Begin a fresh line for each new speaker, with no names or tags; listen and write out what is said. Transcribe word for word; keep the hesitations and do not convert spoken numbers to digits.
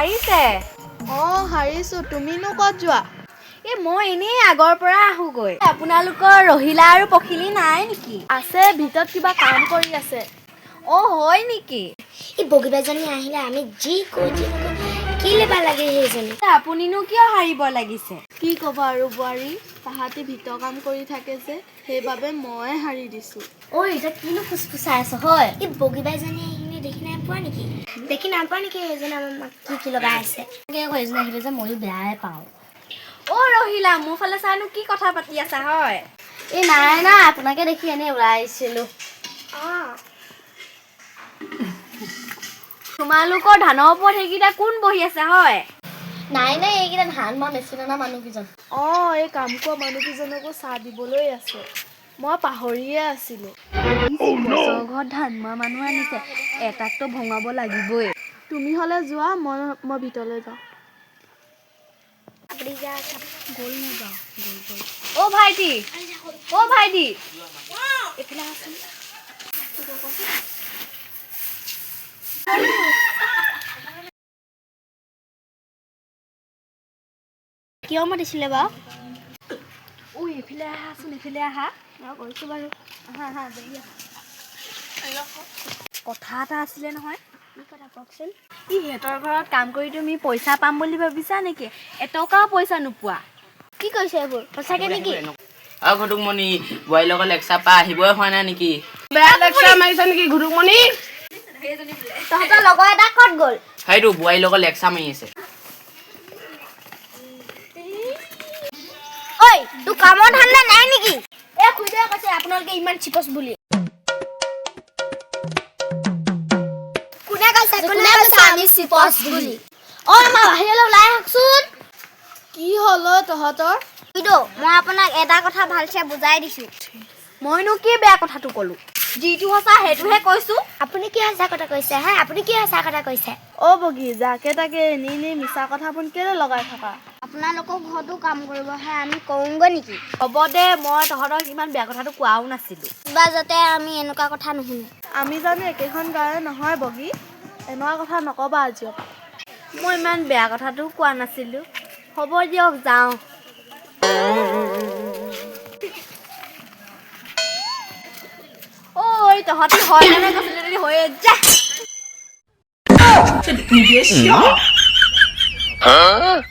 হাৰিছে
অ' হাৰিছো তুমিনো ক'ত যোৱা
এ মই এনেই আগৰ পৰা আহোগৈ আপোনালোকৰ ৰহিলা আৰু পখিলি নাই নেকি
আছে ভিতৰত কিবা কাম কৰি আছে
অ হয় নেকি
এই বগীবাজনী আহিলে আমি যি কওঁ যি নকওঁ কি লেবা লাগে সেইজনী
আপুনিনো কিয় হাৰিব লাগিছে
কি ক'বা আৰু বোৱাৰী তাহাঁতি ভিতৰ কাম কৰি থাকে যে সেইবাবে মই হাৰি দিছো
ঐ তই কিনো ফুচফুচাই আছ হয় এই বগীবাজনী আহিলে দেখি নাই পোৱা নেকি দেখি নাই পোৱা নেকি সেইজনী আমাৰ মাক কি কি লগাই আছে সেইজনী আহিলে যে ময়ো বেয়াই পাওঁ
অ ৰহিলা মোৰ ফালে চাইনো কি কথা পাতি আছা হয়
এই নাই নাই আপোনাকে দেখি এনেই ওলাই আহিছিলোঁ
তোমালোকৰ ধানৰ ওপৰত সেইকেইটা কোন বহি আছে হয়
নাই নাই এইকেইটা ধান মই মেচিন অনা মানুহকেইজন
অ' এই কাম কৰা মানুহকেইজনকো চাহ দিবলৈ আছে মই পাহৰিয়ে আছিলোঁ
বছৰ ঘৰত ধান মৰা মানুহ আনিছে এটাকতো ভঙাব লাগিবই
তুমি হ'লে যোৱা মই মই ভিতৰলৈ যাওঁ
গ'ল নাযাওঁ গ'ল গ'ল অ ভাইটি অ ভাইটি এইফালে আছোন
কিয় মাতিছিলে বাৰু
ঐ এইফালে আহাচোন এইফালে আহা মই কৈছোঁ বাৰু আহা আহা দেৰি আহা কথা এটা আছিলে নহয়
কি কথা কওকচোন
ই সিহঁতৰ ঘৰত কাম কৰি তুমি পইচা পাম বুলি ভাবিছা নেকি এটকাও পইচা নোপোৱা
কি কৈছে এইবোৰ সঁচাকে নেকি
আৰু ঘটুকমণি বোৱাৰীৰ লগত লেকচাৰ পৰা আহিবই হোৱা নাই নেকি
বেয়া লেকচাৰ মাৰিছে নেকি ঘটুকমণি
তহঁতৰ লগৰ এটা ক'ত গ'ল
সেইটো বোৱাৰীৰ লগত লেকচাৰ মাৰি আছে
ঐ তোৰ কামৰ ধান্দা নাই নেকি এ খুইদে কৈছে আপোনালোকে ইমান চিপচ বুলি কোনে কৈছে কোনে কৈছে আমি চিপচ বুলি অ মা বাহিৰলৈ ওলাই আহকচোন
কি হ'ল অ' তহঁতৰ
খুইদো মই আপোনাক এটা কথা ভালছে বুজাই দিছোঁ
মইনো কি বেয়া কথাটো ক'লো যিটো সঁচা সেইটোহে কৈছোঁ
আপুনি কি সঁচা কথা কৈছে হা আপুনি কি সঁচা কথা কৈছে
অ' বগী যাকে তাকে এনেই এনেই মিছা কথাবোৰ কেলৈ লগাই থকা
আপোনালোকৰ ঘৰতো কাম কৰিব হয় আমি কৰোঁগৈ নেকি
হ'ব দে মই তহঁতক ইমান বেয়া কথাটো কোৱাও নাছিলোঁ
কিবা যাতে আমি এনেকুৱা কথা নুশুনো
আমি জানো একেখন গাঁৱে নহয় বগী এনেকুৱা কথা নক'বা আজি
মই ইমান বেয়া কথাটো কোৱা নাছিলোঁ হ'ব দিয়ক যাওঁ ঐ তহঁতি হয় নে কৈছিলি যদি হৈয়ে যা